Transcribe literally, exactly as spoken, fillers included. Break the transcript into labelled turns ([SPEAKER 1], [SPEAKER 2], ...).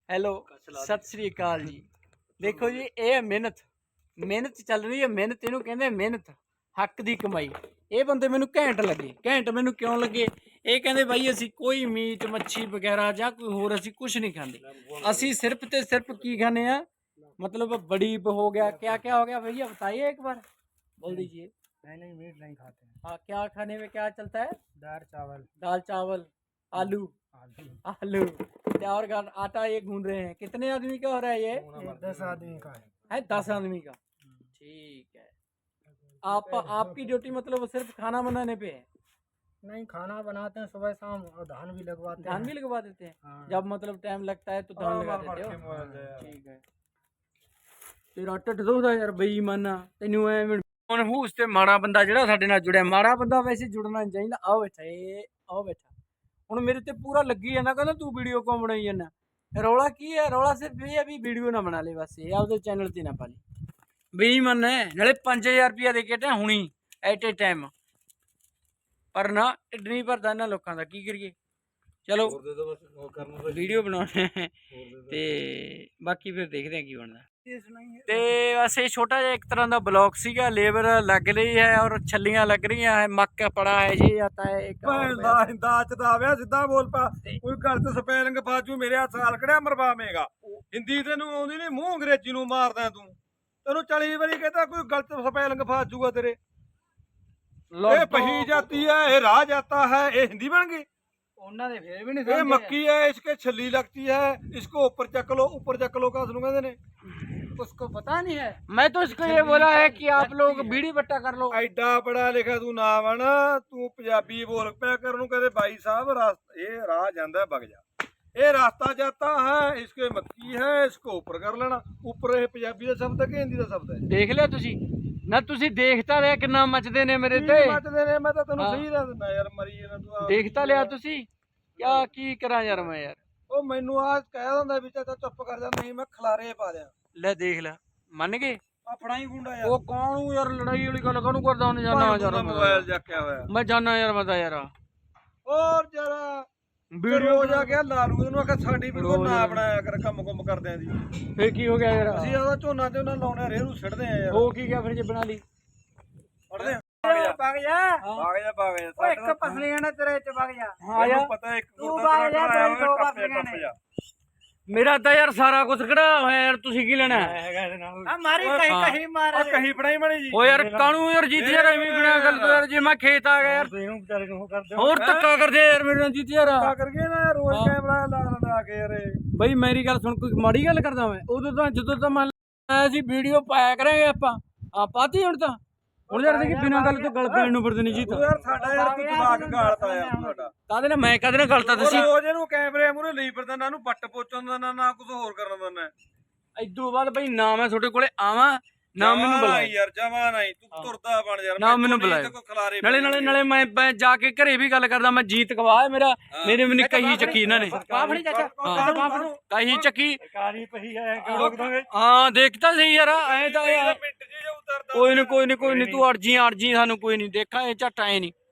[SPEAKER 1] Hello ਸਤਿ ਸ੍ਰੀ ਅਕਾਲ ਜੀ। ਦੇਖੋ ਜੀ ਇਹ ਮਿਹਨਤ ਮਿਹਨਤ ਚੱਲ ਰਹੀ ਹੈ। ਮਿਹਨਤ ਇਹਨੂੰ ਕਹਿੰਦੇ ਮਿਹਨਤ, ਹੱਕ ਦੀ ਕਮਾਈ। ਇਹ ਬੰਦੇ ਮੈਨੂੰ ਘੈਂਟ ਲੱਗੇ। ਘੈਂਟ ਮੈਨੂੰ ਕਿਉਂ ਲੱਗੇ? ਇਹ ਕਹਿੰਦੇ ਬਾਈ ਅਸੀਂ ਕੋਈ ਮੀਟ ਮੱਛੀ ਵਗੈਰਾ ਜਾਂ ਕੋਈ ਹੋਰ ਅਸੀਂ ਕੁਝ ਨਹੀਂ ਖਾਂਦੇ। ਅਸੀਂ ਸਿਰਫ ਤੇ ਸਿਰफ ਕੀ ਖਾਂਦੇ ਆ, मतलब बड़ी हो गया, क्या क्या हो गया भैया बताइए एक बार, बोल दीजिए।
[SPEAKER 2] नहीं नहीं मीट नहीं खाते हैं।
[SPEAKER 1] हाँ, क्या खाने में क्या चलता है?
[SPEAKER 2] दाल चावल
[SPEAKER 1] दाल चावल आलू
[SPEAKER 2] आलू
[SPEAKER 1] आलू क्या और गा- आटा ये गूंद रहे हैं। कितने आदमी का हो रहा है ये?
[SPEAKER 2] ये दस आदमी का है।
[SPEAKER 1] है दस आदमी का। ठीक है। आप आपकी ड्यूटी मतलब सिर्फ खाना बनाने पे है?
[SPEAKER 2] नहीं, खाना बनाते हैं सुबह शाम और धान भी लगवाते हैं।
[SPEAKER 1] धान भी लगवा देते हैं?
[SPEAKER 2] हाँ।
[SPEAKER 1] जब मतलब टाइम लगता है तो धान
[SPEAKER 2] हाँ,
[SPEAKER 1] लगा
[SPEAKER 2] बार
[SPEAKER 1] देते
[SPEAKER 2] बार
[SPEAKER 1] हो?
[SPEAKER 2] के
[SPEAKER 1] ठीक है। ਤੇਰਾ ਢਿੱਡ ਦੁਖਦਾ ਯਾਰ ਬੇਈਮਾਨਾ, ਤੈਨੂੰ ਐਵੇਂ ਹੁਣ ਹੂਸ ਤੇ ਮਾੜਾ ਬੰਦਾ ਜਿਹੜਾ ਸਾਡੇ ਨਾਲ ਜੁੜਿਆ। ਮਾੜਾ ਬੰਦਾ ਵੈਸੇ ਜੁੜਨਾ ਨਹੀਂ ਚਾਹੀਦਾ। ਆਓ ਬੈਠਾ ਇਹ ਆਓ ਬੈਠਾ ਹੁਣ ਮੇਰੇ ਤੇ ਪੂਰਾ ਲੱਗੀ ਜਾਂਦਾ, ਕਹਿੰਦਾ ਤੂੰ ਵੀਡੀਓ ਕਿਉਂ ਬਣਾਈ ਜਾਂਦਾ। ਰੌਲਾ ਕੀ ਹੈ? ਰੌਲਾ ਸਿਰਫ ਇਹ ਹੈ ਵੀ ਵੀਡੀਓ ਨਾ ਬਣਾ ਲੈ ਬਸ, ਇਹ ਆਪਦੇ ਚੈਨਲ ਤੇ ਨਾ ਪਾ ਲਈ। ਬੇਈਮਾਨ ਹੈ ਨਾਲੇ ਪੰਜ ਹਜ਼ਾਰ ਰੁਪਇਆ ਦੇ ਕੇ ਟਾ ਹੁਣੀ ਐਟ ਏ ਟਾਈਮ, ਪਰ ਨਾ ਢਿੱਡ ਨਹੀਂ ਭਰਦਾ ਇਹਨਾਂ ਲੋਕਾਂ ਦਾ। ਕੀ ਕਰੀਏ, ਚਲੋ ਵੀਡੀਓ ਬਣਾਉਣੇ ਤੇ ਬਾਕੀ ਫਿਰ ਦੇਖਦੇ ਹਾਂ ਕੀ ਬਣਦਾ। ਤੇ ਬਸ ਇਹ ਛੋਟਾ ਜਿਹਾ ਇੱਕ ਤਰ੍ਹਾਂ ਦਾ ਬਲੌਗ ਸੀਗਾ। ਲੇਬਰ ਲੱਗ ਰਹੀ ਹੈ ਔਰ ਛੱਲੀਆਂ ਲੱਗ ਰਹੀਆਂ ਹੈ। ਮੱਕ ਪੜਾ ਹੈ ਜੀ आता है एक
[SPEAKER 3] ਦਾਚ ਦਾ ਆਵਿਆ ਸਿੱਧਾ ਬੋਲ ਪਾ। ਕੋਈ ਗੱਲ ਤੇ ਸਪੈਲਿੰਗ ਫਾਜੂ ਮੇਰੇ ਹੱਥ ਸਾਲ ਕੜਿਆ ਮਰਵਾਵੇਂਗਾ। ਹਿੰਦੀ ਤੈਨੂੰ ਆਉਂਦੀ ਨਹੀਂ, ਮੂੰਹ ਅੰਗਰੇਜ਼ੀ ਨੂੰ ਮਾਰਦਾ ਤੂੰ। ਤੈਨੂੰ ਚਾਲੀ ਵਾਰੀ ਕਹਿੰਦਾ ਕੋਈ ਗਲਤ ਸਪੈਲਿੰਗ ਫਾਜੂਗਾ ਤੇਰੇ। ਇਹ ਪਹੀ ਜਾਤੀ ਹੈ, ਇਹ ਰਾਹ ਜਾਤਾ ਹੈ, ਇਹ ਹਿੰਦੀ बन गई।
[SPEAKER 1] ਉਹਨਾਂ ਦੇ ਫੇਰ ਵੀ ਨਹੀਂ
[SPEAKER 3] ये मक्की है, इसके छली लगती है, इसको ऊपर चक लो, ऊपर चक लो का सुनू कहते ने।
[SPEAKER 1] उसको पता नहीं है। मैं तो इसको ये बोला है कि आप लोग बीड़ी बट्टा कर लो।
[SPEAKER 3] ਐਡਾ ਪੜਾ ਲਿਖਿਆ ਤੂੰ ਨਾ ਬਣ, ਤੂੰ ਪੰਜਾਬੀ ਬੋਲ ਪਿਆ ਕਰ। ਨੂੰ ਕਹਿੰਦੇ ਬਾਈ ਸਾਹਿਬ ਰਾਸ ਇਹ ਰਾਹ ਜਾਂਦਾ ਵਗ ਜਾ, ਇਹ ਰਾਸਤਾ ਜਾਤਾ ਹੈ, ਇਸਕੇ ਮੱਕੀ ਹੈ, ਇਸको ऊपर कर लेना। ऊपर ਇਹ ਪੰਜਾਬੀ ਦਾ ਸ਼ਬਦ ਹੈ ਕਿ ਹਿੰਦੀ ਦਾ ਸ਼ਬਦ ਹੈ?
[SPEAKER 1] ਦੇਖ ਲਿਆ ਤੁਸੀਂ ਨਾ, ਤੁਸੀਂ ਦੇਖਤਾ ਲਿਆ ਕਿੰਨਾ ਮੱਚਦੇ ਨੇ ਮੇਰੇ ਤੇ।
[SPEAKER 3] ਮੱਚਦੇ ਨੇ, ਮੈਂ ਤਾਂ ਤੈਨੂੰ ਸਹੀ ਦੱਸ ਦਿੰਦਾ ਯਾਰ, ਮਰੀ ਜਾਣਾ ਤੂੰ।
[SPEAKER 1] ਦੇਖਤਾ ਲਿਆ ਤੁਸੀਂ, ਕਿਆ ਕੀ ਕਰਾਂ ਯਾਰ ਮੈਂ ਯਾਰ।
[SPEAKER 3] ਉਹ ਮੈਨੂੰ ਆ ਕਹਿ ਦਿੰਦਾ ਵੀ ਚਾਚਾ ਚੁੱਪ ਕਰ ਜਾ, ਨਹੀਂ ਮੈਂ ਖਲਾਰੇ ਪਾ ਦਿਆਂ।
[SPEAKER 1] ਲੈ ਦੇਖ ਲੈ, ਮੰਨ ਗਏ।
[SPEAKER 3] ਆ ਫੜਾਈ ਗੁੰਡਾ ਯਾਰ।
[SPEAKER 1] ਉਹ ਕੌਣ ਯਾਰ, ਲੜਾਈ ਵਾਲੀ ਗੱਲ ਕਾਹਨੂੰ ਕਰਦਾ ਉਹਨੇ? ਜਾਨਾ ਯਾਰ
[SPEAKER 3] ਮੋਬਾਈਲ ਚੱਕਿਆ ਹੋਇਆ
[SPEAKER 1] ਮੈਂ ਜਾਨਾ ਯਾਰ, ਮੈਂ ਤਾਂ ਯਾਰ
[SPEAKER 3] ਹੋਰ ਜਰਾ ਵੀਡੀਓ ਜਾ ਕੇ ਲਾਲੂ ਇਹਨੂੰ ਆਖਿਆ ਸਾਡੀ ਵੀਡੀਓ ਨਾ ਬਣਾਇਆ ਕਰ, ਕੰਮ ਕੁੰਮ ਕਰਦਿਆਂ ਦੀ।
[SPEAKER 1] ਫੇਰ ਕੀ ਹੋ ਗਿਆ ਯਾਰ?
[SPEAKER 3] ਅਸੀਂ ਉਹਦਾ ਝੋਨਾ ਝੋਨਾ ਲਾਉਣੇ ਰੇਰੂ ਸਿੱਟਦੇ ਆ ਯਾਰ।
[SPEAKER 1] ਹੋ ਕੀ ਗਿਆ ਫਿਰ ਜੇ ਬਣਾ ਲਈ?
[SPEAKER 3] ਪੜਦੇ ਆ
[SPEAKER 1] ਵਗ ਜਾ
[SPEAKER 3] ਭਾਗ ਜਾ ਭਾਗ ਜਾ।
[SPEAKER 1] ਓਏ ਇੱਕ ਪਸਲੀਆਂ ਨੇ ਤੇਰੇ ਚ ਵਗ ਜਾ।
[SPEAKER 3] ਹਾਂ ਯਾਰ ਪਤਾ ਇੱਕ ਗੁਰਦਾ ਤੇਰਾ ਕਰਾਇਆ ਦੋ ਪਸਲੀਆਂ।
[SPEAKER 1] ਮੇਰਾ ਤਾਂ ਯਾਰ ਸਾਰਾ ਕੁਝ ਕਢਾ ਹੋਇਆ ਯਾਰ, ਤੁਸੀਂ ਕੀ ਲੈਣਾ
[SPEAKER 3] ਹੈਗਾ ਇਹਦੇ ਨਾਲ।
[SPEAKER 1] ਆ ਮਾਰੀ ਕਹੀ ਕਹੀ ਮਾਰ।
[SPEAKER 3] ਆ ਕਹੀ ਫੜਾਈ ਮਣੀ ਜੀ।
[SPEAKER 1] ਓ ਯਾਰ ਕਾਣੂ ਯਾਰ ਜੀਤ ਯਾਰ ਐਵੇਂ ਬਿਨਾ ਗੱਲ ਤੋਂ ਯਾਰ, ਜੇ ਮੈਂ ਖੇਤ ਆ ਗਿਆ ਯਾਰ
[SPEAKER 3] ਇਹਨੂੰ ਵਿਚਾਰੇ ਨੂੰ ਕਰਦੇ
[SPEAKER 1] ਹੋਰ ਧੱਕਾ ਕਰਦੇ ਯਾਰ ਮੇਰੇ ਨਾਲ ਜੀਤ ਯਾਰ।
[SPEAKER 3] ਆ ਕਰਕੇ ਨਾ ਰੋਜ਼ ਕੈਮਰਾ ਲਾ ਲਾ ਕੇ ਯਾਰ।
[SPEAKER 1] ਬਈ ਮੇਰੀ ਗੱਲ ਸੁਣ, ਕੋਈ ਮਾੜੀ ਗੱਲ ਕਰਦਾ ਮੈਂ? ਉਦੋਂ ਤਾਂ ਜਦੋਂ ਤਾਂ ਮੰਨ ਲਿਆ ਸੀ ਵੀਡੀਓ ਪਾਇਆ ਕਰਾਂਗੇ ਆਪਾਂ, ਆ ਪਾਤੀ ਹੁਣ ਤਾਂ। ਹੁਣ ਯਾਰ ਦੇਖੀ ਬਿਨਾਂ ਗੱਲ ਤੋਂ ਗੱਲ ਪੈਣ ਨੂੰ ਫਿਰਦੇ ਨਹੀਂ ਜੀਤ
[SPEAKER 3] ਯਾਰ ਸਾਡਾ ਯਾਰ ਤੂੰ ਦਿਮਾਗ ਗਾਲਤਾ ਯਾਰ ਤੁਹਾਡਾ।
[SPEAKER 1] ਕਾਹਦੇ ਨਾਲ ਮੈਂ ਕਾਹਦੇ ਨਾਲ ਗਲਤਾ ਤੁਸੀਂ?
[SPEAKER 3] ਰੋਜ਼ ਇਹਨੂੰ ਕੈਮਰੇ ਮੂਹਰੇ ਲਈ ਫਿਰਦਾ, ਨਾ ਇਹਨੂੰ ਬੱਟ ਪੋਚਣ ਦਾ ਨਾ ਨਾ ਕੁਝ ਹੋਰ ਕਰਨ ਦਾ। ਨਾ
[SPEAKER 1] ਇਦੋਂ ਬਾਅਦ ਬਈ ਨਾ ਮੈਂ ਤੁਹਾਡੇ ਕੋਲੇ ਆਵਾਂ ਨਾ ਮੈਨੂੰ ਬੁਲਾਇਆ
[SPEAKER 3] ਯਾਰ, ਜਮਾ ਨਹੀਂ ਤੂੰ ਤੁਰਦਾ ਬਣ ਯਾਰ।
[SPEAKER 1] ਨਾ ਮੈਨੂੰ ਬੁਲਾਇਆ। ਨਾਲੇ ਨਾਲੇ ਨਾਲੇ ਮੈਂ ਮੈਂ ਜਾ ਕੇ ਘਰੇ ਵੀ ਗੱਲ ਕਰਦਾ। ਮੈਂ ਜੀਤ ਗਵਾਹ ਹੈ ਮੇਰਾ, ਮੇਰੇ ਮੈਨੂੰ ਕਹੀ ਚੱਕੀ ਇਹਨਾਂ ਨੇ।
[SPEAKER 3] ਬਾਫੜੀ ਚਾਚਾ
[SPEAKER 1] ਕਹੀ ਚੱਕੀ
[SPEAKER 3] ਕਾਲੀ ਪਹੀ ਹੈ
[SPEAKER 1] ਹਾਂ, ਦੇਖਤਾ ਸਹੀ ਯਾਰ। ਐ ਤਾਂ ਕੋਈ ਨੀ ਕੋਈ ਨੀ ਕੋਈ ਨੀ, ਤੂੰ ਅੜਜੀ ਅੜਜੀ ਸਾਨੂੰ ਕੋਈ ਨੀ ਦੇਖਾਂ ਇਹ ਝੱਟ ਐ ਨਹੀਂ।